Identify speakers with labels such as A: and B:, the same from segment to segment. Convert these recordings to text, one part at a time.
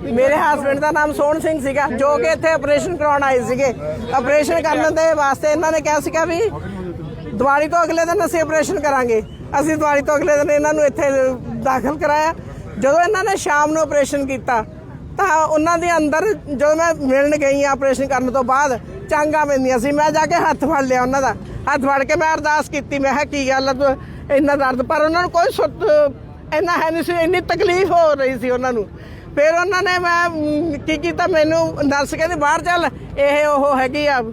A: ਮੇਰੇ ਹਸਬੈਂਡ ਦਾ ਨਾਮ ਸੋਹਣ ਸਿੰਘ ਸੀਗਾ, ਜੋ ਕਿ ਇੱਥੇ ਆਪਰੇਸ਼ਨ ਕਰਾਉਣ ਆਏ ਸੀਗੇ। ਆਪਰੇਸ਼ਨ ਕਰਨ ਦੇ ਵਾਸਤੇ ਇਹਨਾਂ ਨੇ ਕਿਹਾ ਸੀਗਾ ਵੀ ਦੀਵਾਲੀ ਤੋਂ ਅਗਲੇ ਦਿਨ ਅਸੀਂ ਆਪਰੇਸ਼ਨ ਕਰਾਂਗੇ। ਅਸੀਂ ਦੀਵਾਲੀ ਤੋਂ ਅਗਲੇ ਦਿਨ ਇਹਨਾਂ ਨੂੰ ਇੱਥੇ ਦਾਖਲ ਕਰਾਇਆ। ਜਦੋਂ ਇਹਨਾਂ ਨੇ ਸ਼ਾਮ ਨੂੰ ਆਪਰੇਸ਼ਨ ਕੀਤਾ ਤਾਂ ਉਹਨਾਂ ਦੇ ਅੰਦਰ ਜਦੋਂ ਮੈਂ ਮਿਲਣ ਗਈ ਆਪਰੇਸ਼ਨ ਕਰਨ ਤੋਂ ਬਾਅਦ ਚਾਂਗਾ ਪੈਂਦੀਆਂ ਸੀ। ਮੈਂ ਜਾ ਕੇ ਹੱਥ ਫੜ ਲਿਆ ਉਹਨਾਂ ਦਾ, ਹੱਥ ਫੜ ਕੇ ਮੈਂ ਅਰਦਾਸ ਕੀਤੀ। ਮੈਂ ਕਿਹਾ ਕੀ ਗੱਲ ਹੈ ਇੰਨਾ ਦਰਦ, ਪਰ ਉਹਨਾਂ ਨੂੰ ਕੋਈ ਸੁੱਤ ਇੰਨਾ ਹੈ ਨਹੀਂ ਸੀ, ਇੰਨੀ ਤਕਲੀਫ ਹੋ ਰਹੀ ਸੀ ਉਹਨਾਂ ਨੂੰ। ਫਿਰ ਉਹਨਾਂ ਨੇ ਮੈਂ ਕੀ ਕੀਤਾ, ਮੈਨੂੰ ਨਰਸ ਕਹਿੰਦੀ ਬਾਹਰ ਚੱਲ, ਇਹ ਉਹ ਹੈਗੀ ਆ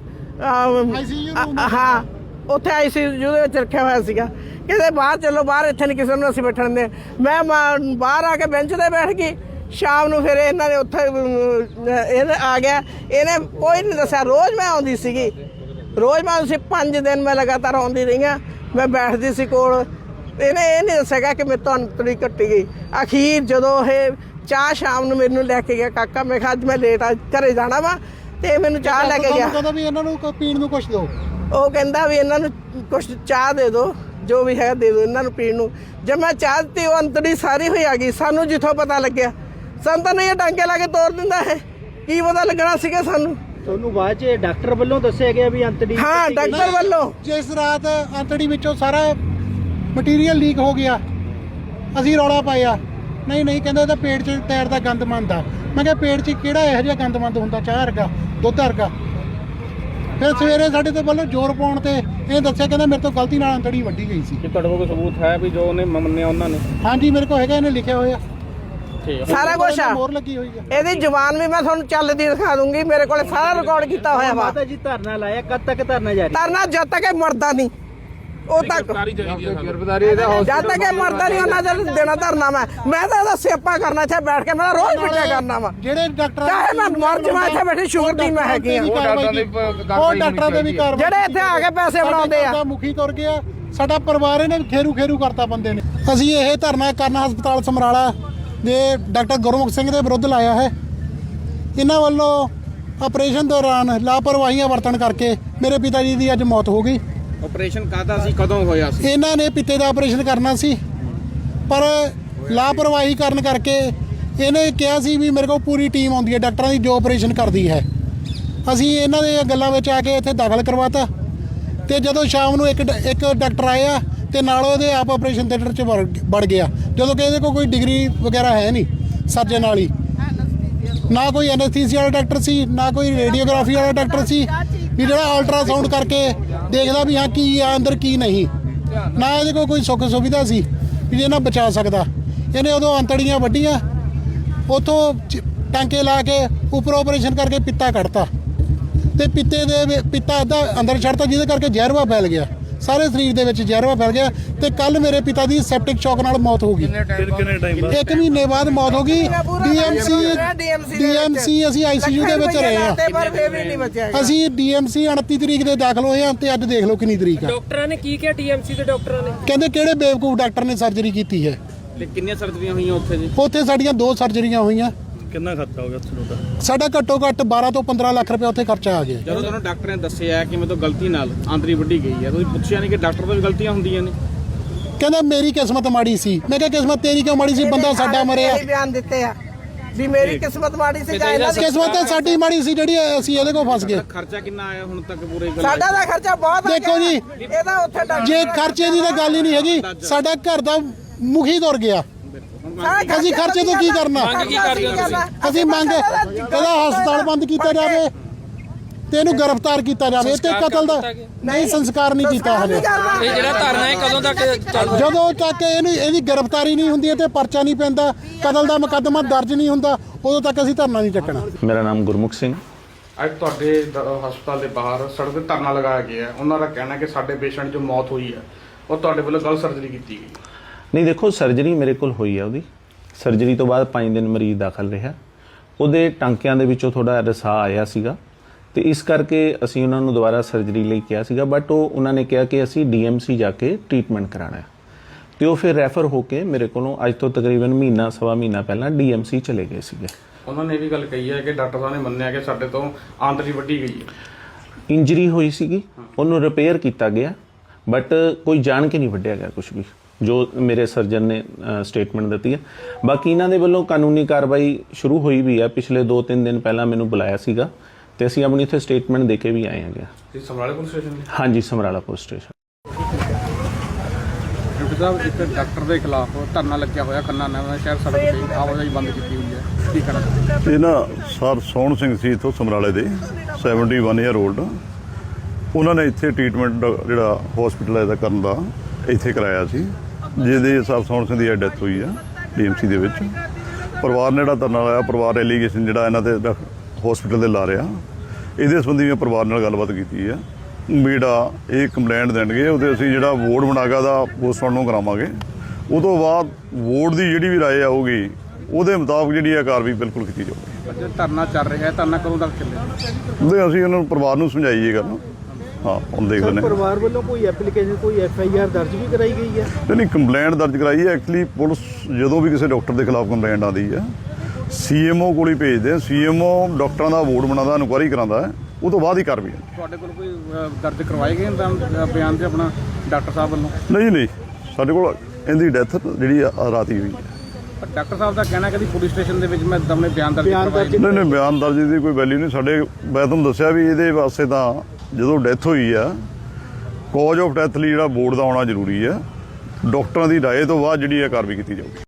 A: ਹਾਂ ਉੱਥੇ ICU ਦੇ ਵਿੱਚ ਰੱਖਿਆ ਹੋਇਆ ਸੀਗਾ। ਕਹਿੰਦੇ ਬਾਹਰ ਚਲੋ, ਬਾਹਰ ਇੱਥੇ ਨਹੀਂ ਕਿਸੇ ਨੂੰ ਅਸੀਂ ਬੈਠਣ ਦੇ। ਮੈਂ ਬਾਹਰ ਆ ਕੇ ਬੈਂਚ ਤੇ ਬੈਠ ਗਈ। ਸ਼ਾਮ ਨੂੰ ਫਿਰ ਇਹਨਾਂ ਨੇ ਉੱਥੇ ਇਹ ਆ ਗਿਆ, ਇਹਨੇ ਕੋਈ ਨਹੀਂ ਦੱਸਿਆ। ਰੋਜ਼ ਮੈਂ ਆਉਂਦੀ ਸੀਗੀ, ਰੋਜ਼ ਮੈਂ 5 ਦਿਨ ਮੈਂ ਲਗਾਤਾਰ ਆਉਂਦੀ ਰਹੀ ਹਾਂ। ਮੈਂ ਬੈਠਦੀ ਸੀ ਕੋਲ, ਇਹਨੇ ਇਹ ਨਹੀਂ ਦੱਸਿਆ ਕਿ ਮੇਰੇ ਤੋਂ ਅੰਤੜੀ ਕੱਟੀ ਗਈ। ਅਖੀਰ ਜਦੋਂ ਇਹ ਚਾਹ ਸ਼ਾਮ ਨੂੰ ਮੈਨੂੰ ਲੈ ਕੇ ਗਿਆ ਕਾਕਾ, ਮੈਂ ਕਿਹਾ ਅੱਜ ਮੈਂ ਲੇਟ ਆ ਘਰੇ ਜਾਣਾ ਵਾ, ਤੇ ਮੈਨੂੰ ਚਾਹ ਲੈ ਕੇ ਗਿਆ।
B: ਕਹਿੰਦਾ ਵੀ ਇਹਨਾਂ ਨੂੰ ਪੀਣ ਨੂੰ ਕੁਛ ਦਿਓ।
A: ਉਹ ਕਹਿੰਦਾ ਵੀ ਇਹਨਾਂ ਨੂੰ ਕੁਛ ਚਾਹ ਦੇ ਦਿਓ, ਜੋ ਵੀ ਹੈ ਦੇ ਦਿਓ ਇਹਨਾਂ ਨੂੰ ਪੀਣ ਨੂੰ। ਜਦ ਮੈਂ ਚਾਹ ਦਿੱਤੀ, ਉਹ ਅੰਤੜੀ ਸਾਰੀ ਹੋਈ ਆ ਗਈ। ਸਾਨੂੰ ਜਿੱਥੋਂ ਪਤਾ ਲੱਗਿਆ, ਸਾਨੂੰ ਤਾਂ ਨਹੀਂ ਟਾਂਕੇ ਲਾ ਕੇ ਤੋੜ ਦਿੰਦਾ ਹੈ, ਕੀ ਪਤਾ ਲੱਗਣਾ ਸੀਗਾ ਸਾਨੂੰ।
C: ਤੁਹਾਨੂੰ ਬਾਅਦ ਚ ਡਾਕਟਰ ਵੱਲੋਂ ਦੱਸਿਆ ਗਿਆ ਵੀ ਅੰਤੜੀ?
A: ਹਾਂ, ਡਾਕਟਰ ਵੱਲੋਂ।
B: ਜਿਸ ਰਾਤ ਅੰਤੜੀ ਵਿੱਚੋਂ ਸਾਰਾ ਮਟੀਰੀਅਲ ਲੀਕ ਹੋ ਗਿਆ, ਅਸੀਂ ਰੌਲਾ ਪਾਇਆ। ਨਹੀਂ ਕਹਿੰਦਾ ਇਹਦਾ ਪੇਟ 'ਚ ਟਾਇਰ ਦਾ ਗੰਦ ਮੰਦਾ। ਮੈਂ ਕਿਹਾ ਪੇਟ 'ਚ ਕਿਹੜਾ ਇਹੋ ਜਿਹਾ ਗੰਦ ਮੰਦ ਹੁੰਦਾ, ਚਾਹ ਵਰਗਾ, ਦੁੱਧ ਵਰਗਾ। ਫਿਰ ਸਵੇਰੇ ਸਾਡੇ ਤੇ ਵੱਲੋਂ ਜ਼ੋਰ ਪਾਉਣ ਤੇ ਇਹ ਦੱਸਿਆ, ਕਹਿੰਦਾ ਮੇਰੇ ਤੋਂ ਗਲਤੀ ਨਾਲ ਅੰਤੜੀ ਵੱਢੀ ਗਈ ਸੀ।
C: ਕਿ ਤੁਹਾਡੇ ਕੋਲ ਕੋਈ ਸਬੂਤ ਹੈ ਵੀ ਜੋ ਉਹਨੇ ਮੰਨਿਆ ਉਹਨਾਂ ਨੇ?
B: ਹਾਂਜੀ ਮੇਰੇ ਕੋਲ ਹੈਗਾ, ਇਹਨੇ ਲਿਖਿਆ ਹੋਇਆ
A: ਸਾਰਾ ਕੁਝ ਆ।
B: ਮੋਹਰ ਲੱਗੀ ਹੋਈ ਆ।
A: ਇਹਦੀ ਜ਼ੁਬਾਨ ਵੀ ਮੈਂ ਤੁਹਾਨੂੰ ਚੱਲਦੀ ਦਿਖਾ ਦੂੰਗੀ, ਮੇਰੇ ਕੋਲ ਸਾਰਾ ਰਿਕਾਰਡ ਕੀਤਾ ਹੋਇਆ ਵਾ।
C: ਮਾਤਾ ਜੀ ਧਰਨਾ ਲਾਇਆ, ਕਦ ਤੱਕ ਧਰਨਾ ਜਾਰੀ?
A: ਧਰਨਾ ਜਦ ਤੱਕ ਇਹ ਮਰਦਾ ਨਹੀਂ, ਉਹ ਤੱਕ ਜਦ ਤੱਕ ਇਹ ਮਰਦਾ ਨਹੀਂ ਉਹਨਾਂ ਚਿਰ ਦੇਣਾ ਧਰਨਾ। ਮੈਂ ਤਾਂ ਇਹਦਾ ਸਿਆਪਾ ਕਰਨਾ ਇੱਥੇ ਬੈਠ ਕੇ, ਮੈਂ ਰੋਜ਼ ਪਿੱਟਿਆ ਕਰਨਾ ਵਾ।
B: ਜਿਹੜੇ ਡਾਕਟਰ
A: ਚਾਹੇ ਮੈਂ ਮਰ ਜਾਵਾਂ ਇੱਥੇ ਬੈਠੀ, ਸ਼ੂਗਰ ਦੀ ਮੈਂ ਹੈਗੀ ਆ।
B: ਉਹ ਡਾਕਟਰਾਂ ਦੇ ਵੀ ਕਾਰਵਾਈ,
A: ਜਿਹੜੇ ਇੱਥੇ ਆ ਕੇ ਪੈਸੇ ਬਣਾਉਂਦੇ ਆ।
B: ਮੁਖੀ ਤੁਰ ਗਿਆ, ਸਾਡਾ ਪਰਿਵਾਰ ਇਹਨੇ ਖੇਰੂ ਕਰਤਾ ਬੰਦੇ ਨੇ। ਅਸੀਂ ਇਹ ਧਰਨਾ ਕਰਨ ਹਸਪਤਾਲ ਸਮਰਾਲਾ ਦੇ ਡਾਕਟਰ ਗੁਰਮੁਖ ਸਿੰਘ ਦੇ ਵਿਰੁੱਧ ਲਾਇਆ ਹੈ। ਇਹਨਾਂ ਵੱਲੋਂ ਆਪਰੇਸ਼ਨ ਦੌਰਾਨ ਲਾਪਰਵਾਹੀਆਂ ਵਰਤਣ ਕਰਕੇ ਮੇਰੇ ਪਿਤਾ ਜੀ ਦੀ ਅੱਜ ਮੌਤ ਹੋ ਗਈ।
C: ਆਪਰੇਸ਼ਨ ਕਾਹਦਾ ਸੀ, ਕਦੋਂ ਹੋਇਆ ਸੀ?
B: ਇਹਨਾਂ ਨੇ ਪਿੱਤੇ ਦਾ ਆਪਰੇਸ਼ਨ ਕਰਨਾ ਸੀ, ਪਰ ਲਾਪਰਵਾਹੀ ਕਰਨ ਕਰਕੇ ਇਹਨੇ ਕਿਹਾ ਸੀ ਵੀ ਮੇਰੇ ਕੋਲ ਪੂਰੀ ਟੀਮ ਆਉਂਦੀ ਹੈ ਡਾਕਟਰਾਂ ਦੀ ਜੋ ਆਪਰੇਸ਼ਨ ਕਰਦੀ ਹੈ। ਅਸੀਂ ਇਹਨਾਂ ਦੇ ਗੱਲਾਂ ਵਿੱਚ ਆ ਕੇ ਇੱਥੇ ਦਾਖਲ ਕਰਵਾਤਾ, ਤੇ ਜਦੋਂ ਸ਼ਾਮ ਨੂੰ ਇੱਕ ਡਾਕਟਰ ਆਇਆ ਤੇ ਨਾਲ ਉਹਦੇ ਆਪ ਆਪਰੇਸ਼ਨ ਥੀਏਟਰ 'ਚ ਵੜ ਗਿਆ, ਜਦੋਂ ਕਿ ਇਹਦੇ ਕੋਲ ਕੋਈ ਡਿਗਰੀ ਵਗੈਰਾ ਹੈ ਨਹੀਂ ਸਰਜਨ ਵਾਲੀ, ਨਾ ਕੋਈ ਐਨਐਸਥੀਸੀਆ ਵਾਲਾ ਡਾਕਟਰ ਸੀ, ਨਾ ਕੋਈ ਰੇਡੀਓਗ੍ਰਾਫੀ ਵਾਲਾ ਡਾਕਟਰ ਸੀ ਵੀ ਜਿਹੜਾ ਅਲਟਰਾਸਾਊਂਡ ਕਰਕੇ ਦੇਖਦਾ ਵੀ ਹਾਂ ਕੀ ਆ ਅੰਦਰ ਕੀ ਨਹੀਂ, ਨਾ ਇਹਦੇ ਕੋਲ ਕੋਈ ਸੁੱਖ ਸੁਵਿਧਾ ਸੀ ਵੀ ਜਿਹਨਾਂ ਬਚਾ ਸਕਦਾ। ਇਹਨੇ ਉਦੋਂ ਅੰਤੜੀਆਂ ਵੱਢੀਆਂ, ਉੱਥੋਂ ਟਾਂਕੇ ਲਾ ਕੇ ਉੱਪਰ ਆਪਰੇਸ਼ਨ ਕਰਕੇ ਪਿੱਤਾ ਕੱਢਤਾ, ਤੇ ਪਿੱਤਾ ਅੱਧਾ ਅੰਦਰ ਛੱਡਤਾ, ਜਿਹਦੇ ਕਰਕੇ ਜ਼ਹਿਰਵਾ ਫੈਲ ਗਿਆ, ਸਾਰੇ ਸਰੀਰ ਦੇ ਵਿੱਚ ਜ਼ਹਿਰਵਾ ਫੈਲ ਗਿਆ। ਤੇ ਕੱਲ ਮੇਰੇ ਪਿਤਾ ਦੀ ਸੈਪਟਿਕ ਸ਼ੌਕ ਨਾਲ ਮੌਤ ਹੋ ਗਈ। 1 ਮਹੀਨੇ ਬਾਅਦ ਮੌਤ ਹੋ ਗਈ। ਡੀਐਮਸੀ ਅਸੀਂ ICU ਦੇ ਵਿੱਚ ਰਹੇ ਹਾਂ। ਅਸੀਂ DMC 29 ਤਰੀਕ ਦੇ ਦਾਖਲ ਹੋਏ ਹਾਂ, ਤੇ ਅੱਜ ਦੇਖ ਲਓ ਕਿੰਨੀ ਤਰੀਕ ਆ।
D: ਡਾਕਟਰਾਂ ਨੇ ਕੀ ਕਿਹਾ? DMC ਦੇ ਡਾਕਟਰਾਂ ਨੇ
B: ਕਹਿੰਦੇ ਕਿਹੜੇ ਬੇਵਕੂਫ ਡਾਕਟਰ ਨੇ ਸਰਜਰੀ ਕੀਤੀ ਹੈ।
C: ਤੇ ਕਿੰਨੀਆਂ ਸਰਜਰੀਆਂ ਹੋਈਆਂ ਉੱਥੇ ਜੀ?
B: ਉੱਥੇ ਸਾਡੀਆਂ 2 ਸਰਜਰੀਆਂ ਹੋਈਆਂ।
C: ਕਿੰਨਾ ਖਰਚਾ ਹੋ ਗਿਆ ਤੁਹਾਡਾ?
B: ਸਾਡਾ ਘੱਟੋ ਘੱਟ 12 ਤੋਂ 15 ਲੱਖ ਰੁਪਏ ਉੱਥੇ ਖਰਚਾ ਆ ਗਿਆ।
C: ਜਦੋਂ ਤੁਹਾਨੂੰ ਡਾਕਟਰ ਨੇ ਦੱਸਿਆ ਕਿ ਮੇਰੇ ਤੋਂ ਗਲਤੀ ਨਾਲ ਆਂਤੜੀ ਵੱਢੀ ਗਈ ਹੈ, ਤੁਸੀਂ ਪੁੱਛਿਆ ਨਹੀਂ ਕਿ ਡਾਕਟਰ ਤੋਂ ਵੀ ਗਲਤੀਆਂ ਹੁੰਦੀਆਂ ਨੇ?
B: ਕਹਿੰਦਾ ਮੇਰੀ ਕਿਸਮਤ ਮਾੜੀ ਸੀ। ਮੈਂ ਕਿਹਾ ਕਿਸਮਤ ਤੇਰੀ ਕਿਉਂ ਮਾੜੀ ਸੀ, ਬੰਦਾ ਸਾਡਾ ਮਰਿਆ।
A: ਬਿਆਨ ਦਿੱਤੇ ਆ ਵੀ ਮੇਰੀ ਕਿਸਮਤ ਮਾੜੀ ਸੀ ਜਾਂ ਇਹਨਾਂ ਦੀ
B: ਕਿਸਮਤ ਤਾਂ ਸਾਡੀ ਮਾੜੀ ਸੀ ਜਿਹੜੀ ਅਸੀਂ ਇਹਦੇ ਕੋਲ ਫਸ ਗਏ।
C: ਖਰਚਾ ਕਿੰਨਾ ਆਇਆ ਹੁਣ ਤੱਕ ਪੂਰੇ?
A: ਸਾਡਾ ਦਾ ਖਰਚਾ ਬਹੁਤ ਆ
B: ਦੇਖੋ ਜੀ,
A: ਇਹਦਾ ਉੱਥੇ
B: ਜੇ ਖਰਚੇ ਦੀ ਤਾਂ ਗੱਲ ਹੀ ਨਹੀਂ ਹੈਗੀ, ਸਾਡਾ ਘਰ ਦਾ ਮੁਖੀ ਤੁਰ ਗਿਆ। ਅਸੀਂ ਖਰਚੇ ਤੋਂ ਕੀ ਕਰਨਾ? ਅਸੀਂ ਮੰਗ ਇਹਦਾ ਹਸਪਤਾਲ ਬੰਦ ਕੀਤਾ ਜਾਵੇ ਤੇ ਇਹਨੂੰ ਗ੍ਰਿਫਤਾਰ ਕੀਤਾ ਜਾਵੇ, ਤੇ ਕਤਲ ਦਾ ਨਹੀਂ ਸੰਸਕਾਰ ਨਹੀਂ ਕੀਤਾ ਹਲੇ।
D: ਇਹ ਜਿਹੜਾ ਧਰਨਾ ਹੈ ਕਦੋਂ ਤੱਕ ਚੱਲੂ?
B: ਜਦੋਂ ਤੱਕ ਇਹਦੀ ਗ੍ਰਿਫਤਾਰੀ ਨਹੀਂ ਹੁੰਦੀ ਤੇ ਪਰਚਾ ਨਹੀਂ ਪੈਂਦਾ, ਕਤਲ ਦਾ ਮੁਕੱਦਮਾ ਦਰਜ ਨਹੀਂ ਹੁੰਦਾ, ਉਦੋਂ ਤੱਕ ਅਸੀਂ ਧਰਨਾ ਨਹੀਂ ਚੱਕਣਾ।
E: ਮੇਰਾ ਨਾਮ ਗੁਰਮੁਖ ਸਿੰਘ।
F: ਅੱਜ ਤੁਹਾਡੇ ਹਸਪਤਾਲ ਦੇ ਬਾਹਰ ਸੜਕ ਤੇ ਧਰਨਾ ਲਗਾਇਆ ਗਿਆ ਹੈ। ਉਹਨਾਂ ਦਾ ਕਹਿਣਾ ਕਿ ਸਾਡੇ ਪੇਸ਼ੈਂਟ ਜੋ ਮੌਤ ਹੋਈ ਹੈ ਉਹ ਤੁਹਾਡੇ ਵੱਲੋਂ ਗਲਤ ਸਰਜਰੀ ਕੀਤੀ ਗਈ।
E: ਨਹੀਂ ਦੇਖੋ, ਸਰਜਰੀ ਮੇਰੇ ਕੋਲ ਹੋਈ ਹੈ। ਉਹਦੀ ਸਰਜਰੀ ਤੋਂ ਬਾਅਦ 5 ਦਿਨ ਮਰੀਜ਼ ਦਾਖਲ ਰਿਹਾ। ਉਹਦੇ ਟਾਂਕਿਆਂ ਦੇ ਵਿੱਚੋਂ ਥੋੜਾ ਰਸਾ ਆਇਆ ਸੀਗਾ, ਤੇ ਇਸ ਕਰਕੇ ਅਸੀਂ ਉਹਨਾਂ ਨੂੰ ਦੁਬਾਰਾ ਸਰਜਰੀ ਲਈ ਕਿਹਾ ਸੀਗਾ, ਬਟ ਉਹਨਾਂ ਨੇ ਕਿਹਾ ਕਿ ਅਸੀਂ DMC ਜਾ ਕੇ ਟ੍ਰੀਟਮੈਂਟ ਕਰਾਉਣਾ ਹੈ, ਤੇ ਉਹ ਫਿਰ ਰੈਫਰ ਹੋ ਕੇ ਮੇਰੇ ਕੋਲੋਂ ਅੱਜ ਤੋਂ ਤਕਰੀਬਨ ਮਹੀਨਾ ਸਵਾ ਮਹੀਨਾ ਪਹਿਲਾਂ DMC ਚਲੇ ਗਏ ਸੀਗੇ।
F: ਉਹਨਾਂ ਨੇ ਇਹ ਵੀ ਗੱਲ ਕਹੀ ਹੈ ਕਿ ਡਾਕਟਰ ਸਾਹਿਬ ਨੇ ਮੰਨਿਆ ਕਿ ਸਾਡੇ ਤੋਂ ਆਂਤੜੀ ਵੱਢੀ ਗਈ ਹੈ।
E: ਇੰਜਰੀ ਹੋਈ ਸੀਗੀ, ਉਹਨੂੰ ਰਿਪੇਅਰ ਕੀਤਾ ਗਿਆ, ਬਟ ਕੋਈ ਜਾਣ ਕੇ ਨਹੀਂ ਵੱਢਿਆ ਗਿਆ ਕੁਝ ਵੀ। ਜੋ ਮੇਰੇ ਸਰਜਨ ਨੇ ਸਟੇਟਮੈਂਟ ਦਿੱਤੀ ਹੈ। ਬਾਕੀ ਇਹਨਾਂ ਦੇ ਵੱਲੋਂ ਕਾਨੂੰਨੀ ਕਾਰਵਾਈ ਸ਼ੁਰੂ ਹੋਈ ਵੀ ਹੈ। ਪਿਛਲੇ 2-3 ਦਿਨ ਪਹਿਲਾਂ ਮੈਨੂੰ ਬੁਲਾਇਆ ਸੀਗਾ ਤੇ ਅਸੀਂ ਆਪਣੀ ਇੱਥੇ ਸਟੇਟਮੈਂਟ ਦੇ ਕੇ ਵੀ ਆਏ ਹੈਗੇ।
F: ਇਹ ਸਮਰਾਲੇ ਪੁਲਿਸ ਸਟੇਸ਼ਨ ਦੇ
E: ਹਾਂਜੀ, ਸਮਰਾਲਾ ਪੁਲਿਸ ਸਟੇਸ਼ਨ।
F: ਡਾਕਟਰ ਸਾਹਿਬ ਇੱਕ ਡਾਕਟਰ ਦੇ ਖਿਲਾਫ ਧਰਨਾ ਲੱਗਿਆ ਹੋਇਆ ਖੰਨਾ ਨਵਾਂ ਸ਼ਹਿਰ ਸੜਕ ਤੇ ਆਵਾਜਾਈ ਬੰਦ ਕੀਤੀ ਹੋਈ ਹੈ, ਕੀ ਕਹਿਣਾ?
G: ਇਹ ਨਾ ਸਰ ਸੋਹਣ ਸਿੰਘ ਸੀ ਇੱਥੋਂ ਸਮਰਾਲੇ ਦੇ 71 ਈਅਰ 올ਡ। ਉਹਨਾਂ ਨੇ ਇੱਥੇ ਟ੍ਰੀਟਮੈਂਟ ਜਿਹੜਾ ਹਸਪੀਟਲ ਇਹਦਾ ਕਰਨ ਦਾ ਇੱਥੇ ਕਰਾਇਆ ਸੀ, ਜਿਹਦੇ ਸਰ ਸੋਹਣ ਸਿੰਘ ਦੀ ਡੈਥ ਹੋਈ ਆ ਡੀਐਮਸੀ ਦੇ ਵਿੱਚ। ਪਰਿਵਾਰ ਨੇ ਜਿਹੜਾ ਧਰਨਾ ਲਾਇਆ, ਪਰਿਵਾਰ ਐਲੀਗੇਸ਼ਨ ਜਿਹੜਾ ਇਹਨਾਂ ਤੇ ਹਸਪੀਟਲ ਦੇ ਲਾ ਰਿਹਾ, ਇਹਦੇ ਸੰਬੰਧੀ ਮੈਂ ਪਰਿਵਾਰ ਨਾਲ ਗੱਲਬਾਤ ਕੀਤੀ ਆ। ਜਿਹੜਾ ਇਹ ਕੰਪਲੇਂਟ ਦੇਣਗੇ ਉਹਦੇ ਅਸੀਂ ਜਿਹੜਾ ਵੋਟ ਬਣਾਗਾ ਦਾ ਪੋਸਟਮਾਰਟਮ ਕਰਾਵਾਂਗੇ। ਉਹ ਤੋਂ ਬਾਅਦ ਵੋਟ ਦੀ ਜਿਹੜੀ ਵੀ ਰਾਏ ਆਊਗੀ ਉਹਦੇ ਮੁਤਾਬਕ ਜਿਹੜੀ ਆ ਕਾਰਵਾਈ ਬਿਲਕੁਲ ਕੀਤੀ ਜਾਊਗੀ।
F: ਧਰਨਾ ਚੱਲ ਰਿਹਾ ਹੈ, ਧਰਨਾ ਕਦੋਂ ਤੱਕ ਚੱਲੇਗਾ?
G: ਉਹਦੇ ਅਸੀਂ ਉਹਨਾਂ ਨੂੰ ਪਰਿਵਾਰ ਨੂੰ ਸਮਝਾਈਏ ਗੱਲ। ਹਾਂ, ਹੁਣ ਦੇਖਦੇ ਨੇ।
H: ਪਰਿਵਾਰ ਵੱਲੋਂ ਕੋਈ ਐਪਲੀਕੇਸ਼ਨ, ਕੋਈ FIR ਦਰਜ ਵੀ ਕਰਾਈ ਗਈ ਹੈ?
G: ਨਹੀਂ, ਕੰਪਲੇਂਟ ਦਰਜ ਕਰਾਈ ਹੈ। ਐਕਚੁਅਲੀ ਪੁਲਿਸ ਜਦੋਂ ਵੀ ਕਿਸੇ ਡਾਕਟਰ ਦੇ ਖਿਲਾਫ ਕੰਪਲੇਂਟ ਆਉਂਦੀ ਹੈ CMO ਕੋਲ ਹੀ ਭੇਜਦੇ ਆ। CMO ਡਾਕਟਰਾਂ ਦਾ ਵੋਟ ਬਣਾਉਂਦਾ, ਇਨਕੁਆਇਰੀ ਕਰਾਉਂਦਾ ਹੈ, ਉਹ ਤੋਂ ਬਾਅਦ ਹੀ ਕਾਰਵਾਈ ਹੁੰਦੀ।
F: ਤੁਹਾਡੇ ਕੋਲ ਕੋਈ ਦਰਜ ਕਰਵਾਏ ਗਏ ਬਿਆਨ ਤੇ ਆਪਣਾ ਡਾਕਟਰ ਸਾਹਿਬ ਵੱਲੋਂ?
G: ਨਹੀਂ, ਸਾਡੇ ਕੋਲ ਇਹਦੀ ਡੈਥ ਜਿਹੜੀ ਰਾਤ ਹੀ ਹੋਈ ਹੈ।
F: ਪਰ ਡਾਕਟਰ ਸਾਹਿਬ ਦਾ ਕਹਿਣਾ ਕਿ ਪੁਲਿਸ ਸਟੇਸ਼ਨ ਦੇ ਵਿੱਚ ਮੈਂ ਦਮੇ ਬਿਆਨ ਦਰਜ ਕਰਵਾਏ।
G: ਨਹੀਂ, ਬਿਆਨ ਦਰਜ ਦੀ ਕੋਈ ਵੈਲਿਊ ਨਹੀਂ ਸਾਡੇ। ਮੈਂ ਤੁਹਾਨੂੰ ਦੱਸਿਆ ਵੀ ਇਹਦੇ ਵਾਸਤੇ ਤਾਂ ਜਦੋਂ ਡੈਥ ਹੋਈ ਆ, ਕਾਜ਼ ਆਫ ਡੈਥ ਲਈ ਜਿਹੜਾ ਬੋਰਡ ਦਾ ਆਉਣਾ ਜ਼ਰੂਰੀ ਹੈ। ਡਾਕਟਰਾਂ ਦੀ ਰਾਏ ਤੋਂ ਬਾਅਦ ਜਿਹੜੀ ਇਹ ਕਾਰਵਾਈ ਕੀਤੀ ਜਾਊਗੀ।